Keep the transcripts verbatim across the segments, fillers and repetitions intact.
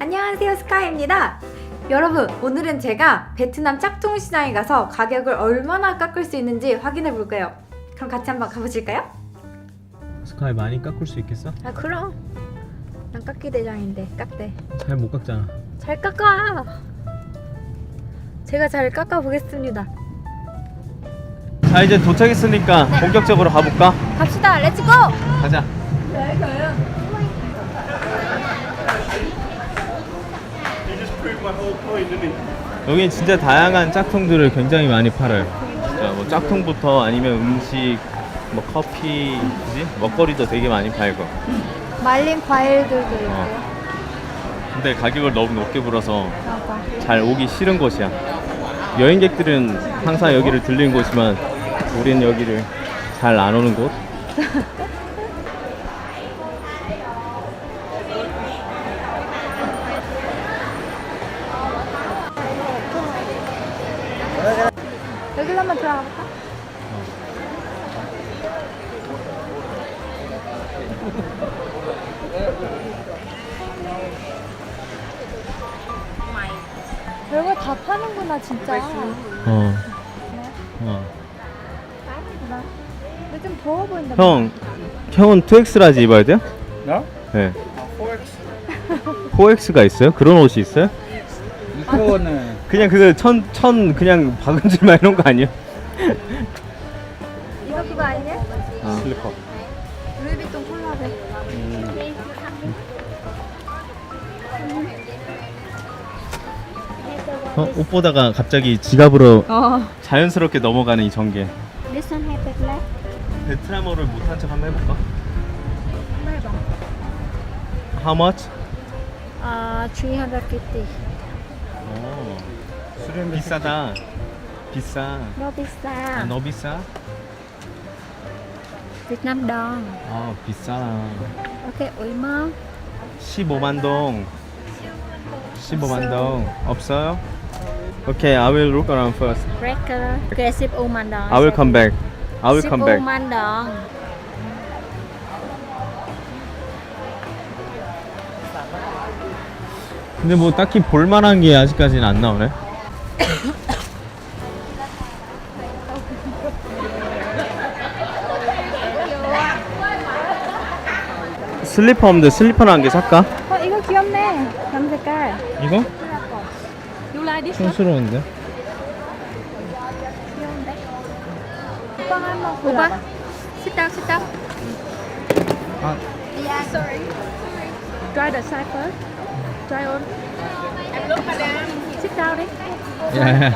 안녕하세요, 스카이입니다. 여러분, 오늘은 제가 베트남 짝퉁 시장에 가서 가격을 얼마나 깎을 수 있는지 확인해 볼게요. 그럼 같이 한번 가보실까요? 스카이 많이 깎을 수 있겠어? 아 그럼 난 깎기 대장인데 깎대. 잘 못 깎잖아. 잘 깎아. 제가 잘 깎아 보겠습니다. 자, 이제 도착했으니까 본격적으로 가볼까? 갑시다. 렛츠고. 가자. 여기 진짜 다양한 짝퉁들을 굉장히 많이 팔아요. 자, 뭐 짝퉁부터 아니면 음식, 뭐 커피, 그지? 먹거리도 되게 많이 팔고. 말린 과일들도 있고. 어. 근데 가격을 너무 높게 불어서 맞아. 잘 오기 싫은 곳이야. 여행객들은 항상 여기를 들리는 곳이지만 우린 여기를 잘 안 오는 곳. 여기로 한번 들어가 볼까? 별걸 다 파는구나 진짜. 어. 어. 근데 좀 더워 보인다. 형, 형은 투엑스라지 입어야 돼요? 나? 네. 아, 포엑스. 포엑스가 있어요? 그런 옷이 있어요? 이거는 그냥 그 천, 천 그냥 박은질만 이런 거 아니야? 이거 그거 아니냐? 어. 슬리퍼. 루이비통 콜라베. 어, 옷 보다가 갑자기 지갑으로 어. 자연스럽게 넘어가는 이 전개. This one have it left. 베트남어를 못한 척 한번 해볼까? 한번 해봐. How much? Uh, three hundred fifty. 오, 수련 비싸다. 비싸. No pizza. 아, 너 비싸? Vietnam đồng. 아, 비싸. Okay, 얼마? 십오만 동. 십오만 동. 없어요? Okay, I will look around first. Cracker. Okay, 십오만 đồng. I will come back. I will come back. 십오만 đồng. 근데 뭐 딱히 볼만한 게 아직까지는 안 나오네. 슬리퍼 없는데 슬리퍼는 한 개 살까? 어 이거 귀엽네. 감 색깔. 이거? You like this? 촌스러운데? 오빠 한번 오빠. 골라봐. Sit down, sit down. 아, Yeah, sorry. Try the side first. Try on. Sit down đi. 예.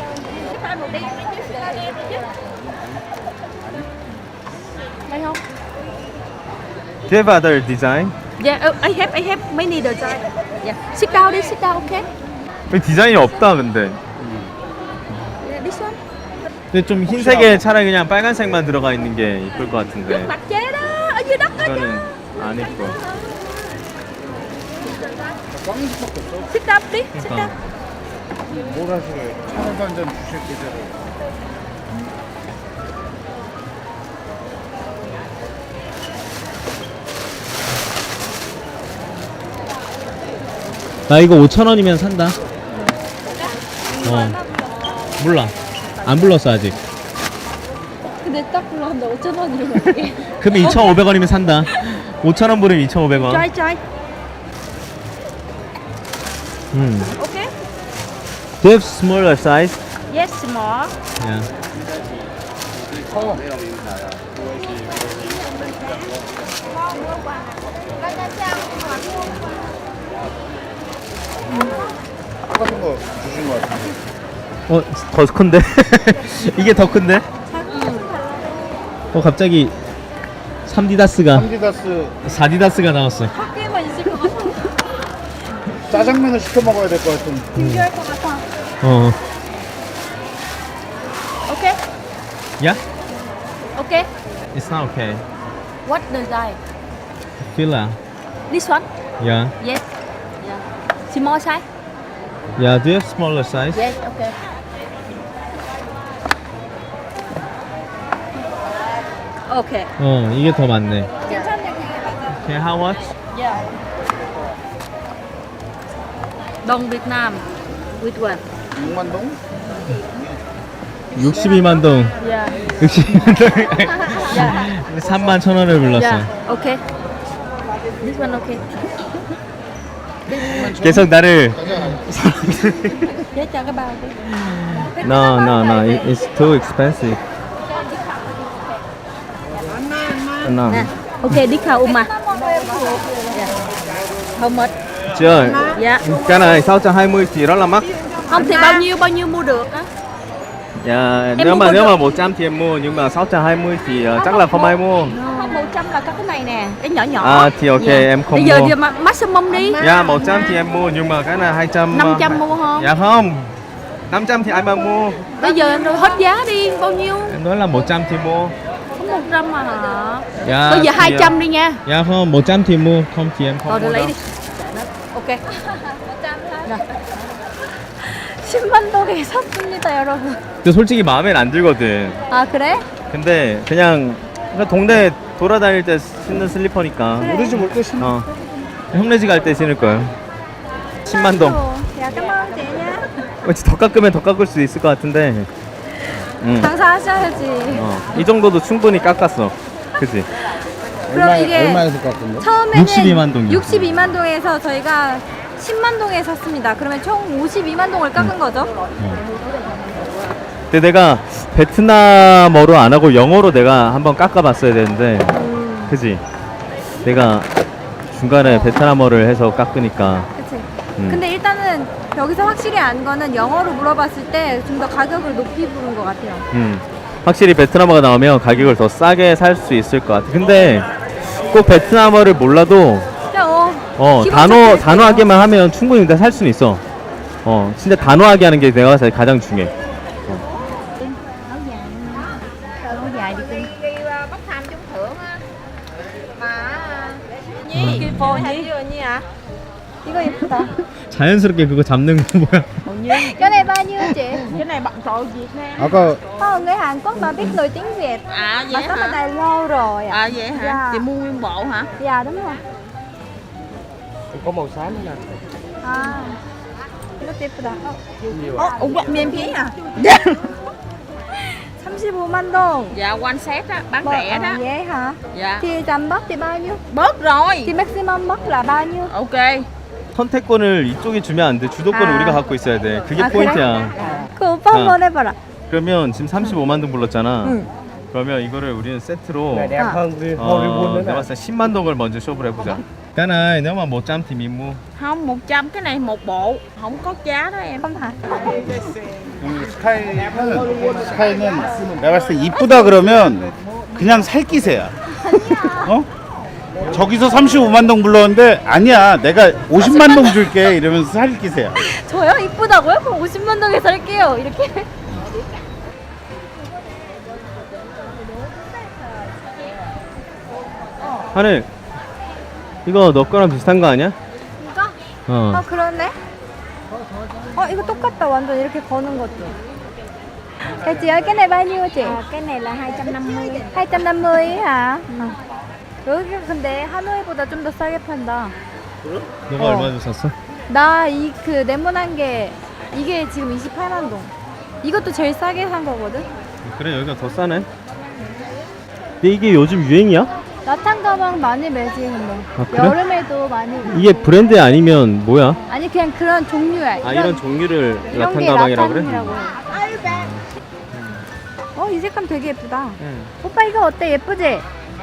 Đây không? Do you have other design? Yeah, oh, I have, I have many design. Yeah. Sit down đi, sit down, okay? 여기 디자인이 없다 근데. Yeah, this one. 근데 좀 흰색에 차라리 그냥 빨간색만 들어가 있는 게 이쁠 것 같은데. Mặt chế đó, ở dưới đất đó chứ. 이거는 안 이뻐. 꽝수밖에 없어. Sit down đi, sit down. 그러니까. 뭘 하시래? 차라도 한잔 주실 계좌로. 나 이거 오천 원이면 산다. 어. 몰라. 안 불렀어 아직. 근데 딱 불렀는데 오천 원이면 어떡해. 그러면 이천오백 원이면 산다. 오천 원 부르면 이천오백 원. Try, try. 음. Okay? Do you have smaller size? Yes, small. Yeah. 커. 똑같은 거 주신 거 같은데. 어, 더 큰데? 이게 더 큰데? 어, 갑자기 삼디다스가 삼디다스 사디다스가 나왔어. 학교에만 있을 것 같아. 짜장면을 시켜 먹어야 될 것 같은. 준비할 것 같아. 어. Okay? Yeah? Okay. It's not okay. What design? Fila. This one? Yeah. Yes. Yeah. Small size? Yeah, do you have smaller size? Yes, okay. Okay. 어, 이게 더 많네. 괜찮네, 그게 맞아. Okay, how much? Yeah. Đồng Việt Nam. Which one? 육만 동? 육십이만 동. Yeah. 육십이만 동. Yeah. 삼만 천 원을 불렀어. Yeah. Okay. This one okay. 계속 나를 Chế cho cái bao đi. No, no, no. It, it's too expensive. No. Nè. Okay, đi khảo Uma. Yeah. How much? Chưa. Dạ. Cái này sáu trăm hai mươi thì rất là mắc. Không thì bao nhiêu bao nhiêu mua được á? Dạ, Em nếu mua mà một nếu được. mà một trăm thì em mua nhưng mà sáu trăm hai mươi thì uh, chắc là không ai mua. Không, một trăm là có cái này nè, cái nhỏ nhỏ. À thì ok, em không Bây giờ mua. giờ ma- maximum đi. Dạ, một trăm thì em mua nhưng mà cái này hai trăm. năm trăm mua không? Dạ không. năm trăm thì ai mà mua. Bây giờ em hết giá đi, bao nhiêu? Em nói là một trăm thì mua. Có một trăm mà hả? Dạ. Bây giờ thì, hai trăm đi nha. Dạ không, một trăm thì mua, không thì em không Rồi, mua để lấy đâu. đi. Ok. Rồi. 십만 동에 샀습니다, 여러분. 근데 솔직히 마음엔 안 들거든. 아, 그래? 근데 그냥 그냥 동네 돌아다닐 때 신는 슬리퍼니까. 우리 집 올 때 신어. 어. 홈레지 갈 때 신을 거예요. 십만 동. Dạ cảm ơn chị nha. 왠지 더 깎으면 더 깎을 수 있을 것 같은데. 응. 장사하셔야지. 어. 이 정도도 충분히 깎았어. 그치? 그럼 이게 얼마에서 깎은 거? 처음에는 육십이만 동이요. 육십이만 동에서 저희가 십만 동에 샀습니다. 그러면 총 오십이만 동을 깎은 거죠? 근데 내가 베트남어로 안 하고 영어로 내가 한번 깎아봤어야 되는데. 그치? 내가 중간에 베트남어를 해서 깎으니까. 그치. 음. 근데 일단은 여기서 확실히 안 거는 영어로 물어봤을 때 좀 더 가격을 높이 부른 것 같아요. 음, 확실히 베트남어가 나오면 가격을 더 싸게 살 수 있을 것 같아. 근데 꼭 베트남어를 몰라도 그냥 어, 어 기본 단어 체크해서 단어하게만 하면 충분히 다 살 수는 있어. 어 진짜 단어하게 하는 게 내가 봤을 때 가장 중요해. Áo dài đi cưng. bốc thăm trúng thưởng á. Mà Nhi, cái phôi nhi. 언니 아? 이거 예쁘다. 자연스럽게 그거 잡는 거 뭐야? Cái này bao nhiêu chị? Cái này bạn tội Việt Nam. 아까 Ờ, người Hàn Quốc mà biết nổi tiếng Việt. À Mà vậy sống ở hả? đây lâu rồi ạ. À vậy hả? Dạ. Chị mua nguyên bộ hả? Dạ đúng rồi. có màu xám nữa nè. 아, 이것도 예쁘다. 어, Ồ, ủa, miền phía hả? 삼십오만 동. Dạ, one set á, bán Mà- rẻ ờ, đó. Vậy hả? Dạ. Thì tầm bớt thì bao nhiêu? Bớt rồi. Thì maximum bớt là bao nhiêu? Ok. 선택권을 이쪽이 주면 안 돼. 주도권을 아. 우리가 갖고 있어야 돼. 그게 아, 포인트야. 그 오빠 한번 해봐라. 그러면 지금 삼십오만 동 불렀잖아. 응. 그러면 이거를 우리는 세트로 đẹp À. hơn cái 어, Hollywood nữa 내가 nè. 봤을 때 십만 동을 먼저 쇼부를 해보자. cái này nếu mà một trăm thì mình mua. Không, một trăm cái này một bộ. Không có giá đó em. không hả? 이 스카이는 스카이는 내가 봤을 때 이쁘다 그러면 그냥 살기세야. 어? 저기서 삼십오만 동 불렀는데 아니야 내가 오십만 동 줄게 이러면서 살기세야. 저요? 이쁘다고요? 그럼 오십만 동에 살게요. 이렇게. 하늘 이거 너 거랑 비슷한 거 아니야? 이거? 어. 어 그러네. 어 이거 똑같다. 완전 이렇게 거는 것도. Cái chị ơi, cái này bao nhiêu chị? Cái này là hai trăm năm mươi. hai trăm năm mươi hả? 여기가 근데 하노이보다 좀 더 싸게 판다. 너가 어. 얼마 주 샀어? 나 이 그 네모난 게 이게 지금 이십팔만 동. 이것도 제일 싸게 산 거거든. 그래 여기가 더 싸네. 근데 이게 요즘 유행이야? 라탄 가방 많이 매지 근데. 아, 그래? 여름에도 많이. 이게 브랜드 아니면 뭐야? 아니 그냥 그런 종류야. 아 이런 종류를 이런 라탄 게 가방이라고 그래? 라탄이라고 해. 어, 이 색감 되게 예쁘다. 응. 오빠 이거 어때? 예쁘지?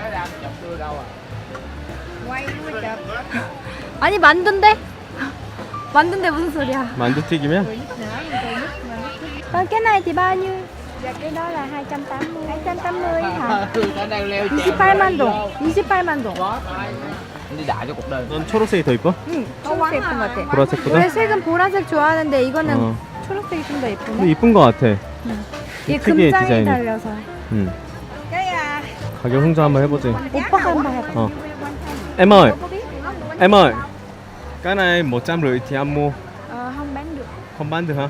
아니 만두인데? 만두인데 무슨 소리야? 만두튀김이야? Còn cái này thì bao nhiêu? Dạ cái đó là hai trăm tám mươi. hai trăm tám mươi hả? 이십팔만 동. 이십팔만 동. 넌 초록색이 더 이뻐? 응, 초록색 예쁜 것 같아. 보라색보다? 원래 색은 보라색 좋아하는데 이거는 어. 초록색이 좀 더 근데 예쁘네. 이쁜 거 같아. 이게 특이해, 금장이 디자인이. 달려서. 응. 가격 흥정 한번 해보지. 오빠가 한번 해봐. Ờ. Em ơi, em ơi, cái này một trăm rưỡi thì anh mua, 어, 한 bán được. không bán được hả?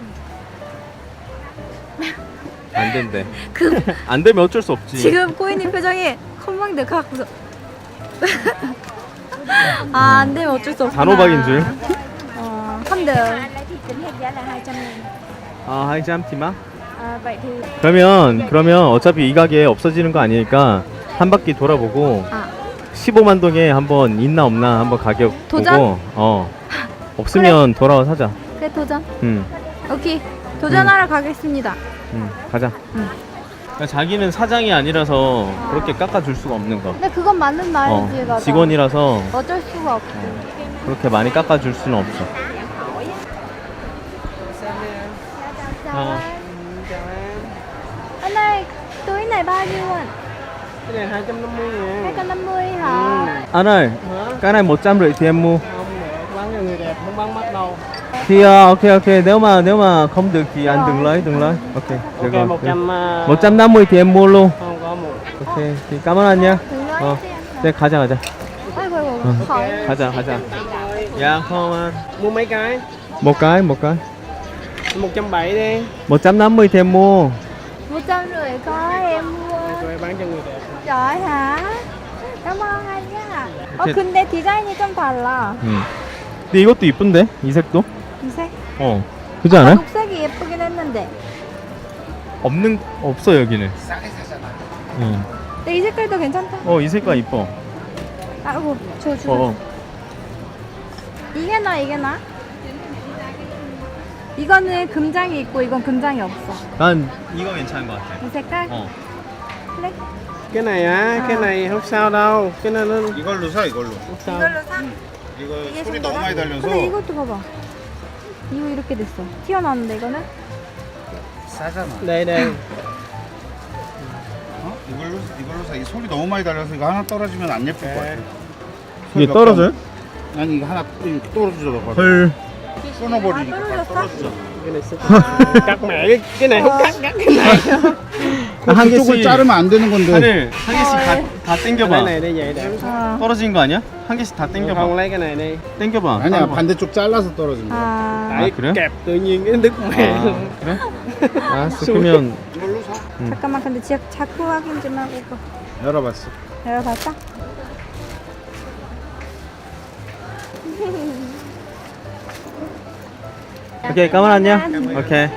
안 된대. 그 안 되면 어쩔 수 없지. 지금 꼬이님 표정이 컴방드 갖고서 아, 안 되면 어쩔 수 없구나. 단호박인 줄. 어, Không được. Anh lấy thì tính hết giá là hai trăm nghìn. 아, 하이잠 티마? À, vậy thì 그러면 그러면 어차피 이 가게 없어지는 거 아니니까 한 바퀴 돌아보고 아. 십오만 동에 한번 있나 없나 한번 가격 도전? 보고 어 없으면 돌아와 사자. 그래 도전. 응, 오케이. 도전하러 가겠습니다. 응, 가자. 응. 그러니까 자기는 사장이 아니라서 그렇게 깎아줄 수가 없는 거. 근데 그건 맞는 말이지, 어, 맞아. 직원이라서 어쩔 수가 없지. 그렇게 많이 깎아줄 수는 없어. 어. Anh ơi, túi này bao nhiêu anh? Cái này hai trăm năm mươi ngàn. hai trăm năm mươi hả? Anh ơi, cái này một trăm rưỡi thì em mua. Không, bán cho người đẹp, không bán mắt đâu. Thì uh, ok ok, nếu mà nếu mà không được thì anh đừng lấy, đừng lấy. Ok, được Ok, rồi. một trăm... à, một trăm năm mươi thì em mua luôn. Không có một. Ok, thì cảm ơn anh nha. Đừng nói 어, chứ anh. 네 가자 가자. A이고, 아이고, 어. khỏi. 가자 가자. 야, không anh. Mua mấy cái? một cái một cái. một trăm bảy đi. một trăm năm mươi thì em mua. một trăm rưỡi có em mua. Rồi bán cho người đẹp. Trời hả? Cảm ơn anh nha. 어, 이렇게- 근데 디자인이 좀 달라. 응. 근데 이것도 이쁜데? 이 색도? 이 색? 어. 그렇지 않아요? 녹색이 예쁘긴 했는데. 없는 없어 여기는. 응. 근데 이 색깔도 괜찮다. 어, 이 색깔 이뻐. 아이고, 저, 저. 어. 이게 나, 이게 나? 이거는 금장이 있고 이건 금장이 없어. 난 이거 괜찮은 것 같아. 이 색깔? 어. 그래? Cái này á, À. cái này không sao đâu. Cái này nó 이걸로 사 이걸로. không sao. 이걸로 사? 이거 이게 소리 좀 너무 많이 달려서 근데 이것도 봐봐. 이거 이렇게 됐어. 튀어나왔는데 이거는? 싸잖아. Đây, đây. 어? 이걸로 이걸로 사. 이 소리 너무 많이 달려서 이거 하나 떨어지면 안 예쁠 것 같아. 이게 소리 몇 떨어져요? 번- 아니 이거 하나 이렇게 떨어지더라고. 헐. 끊어버리니까 아, 다 떨어졌어? 떨어져. Cái này sẽ... Cắt mẹ cái, cái này không cắt, cắt cái này. 한 그쪽을 개씩 자르면 안 되는 건데. 하늘 한 개씩 다, 다 Cái 땡겨봐. này đi vậy đẹp. 아, 떨어진 거 아니야? 한 개씩 다 Không 땡겨봐. lấy cái này đi. 땡겨봐. 아니야 따라봐. 반대쪽 잘라서 떨어진 거야. 아, Tại 그래? kẹp tự nhiên cái đứt mẹ 아, luôn. 그래? 알았어. 그러면 이걸로 사. 잠깐만 근데 지 자꾸 확인 좀 하고 이거 열어봤어. 열어봤어? 오케이, 까만 안녕. 오케이.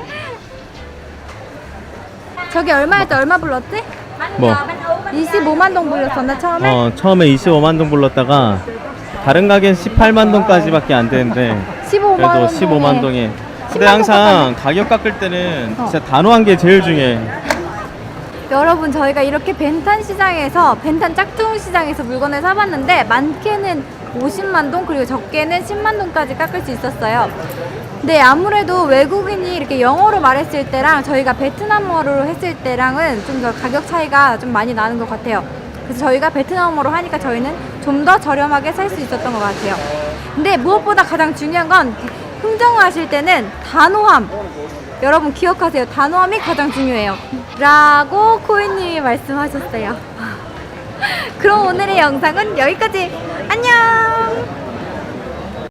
저기 얼마였지? 얼마 불렀지? 뭐? 이십오만 동 불렀었나 처음에? 어, 처음에 이십오만 동 불렀다가 다른 가게는 십팔만 동까지밖에 안 되는데 십오만 그래도 원 십오만 동에. 근데 십만 항상 가격 깎을 때는 어. 진짜 단호한 게 제일 중요해. 여러분 저희가 이렇게 벤탄 시장에서 벤탄 짝퉁 시장에서 물건을 사봤는데 많게는 오십만 동 그리고 적게는 십만 동까지 깎을 수 있었어요. 근데 아무래도 외국인이 이렇게 영어로 말했을 때랑 저희가 베트남어로 했을 때랑은 좀 더 가격 차이가 좀 많이 나는 것 같아요. 그래서 저희가 베트남어로 하니까 저희는 좀 더 저렴하게 살 수 있었던 것 같아요. 근데 무엇보다 가장 중요한 건 흥정을 하실 때는 단호함. 여러분 기억하세요. 단호함이 가장 중요해요. 라고 코인님이 말씀하셨어요. 그럼 오늘의 영상은 여기까지. 안녕!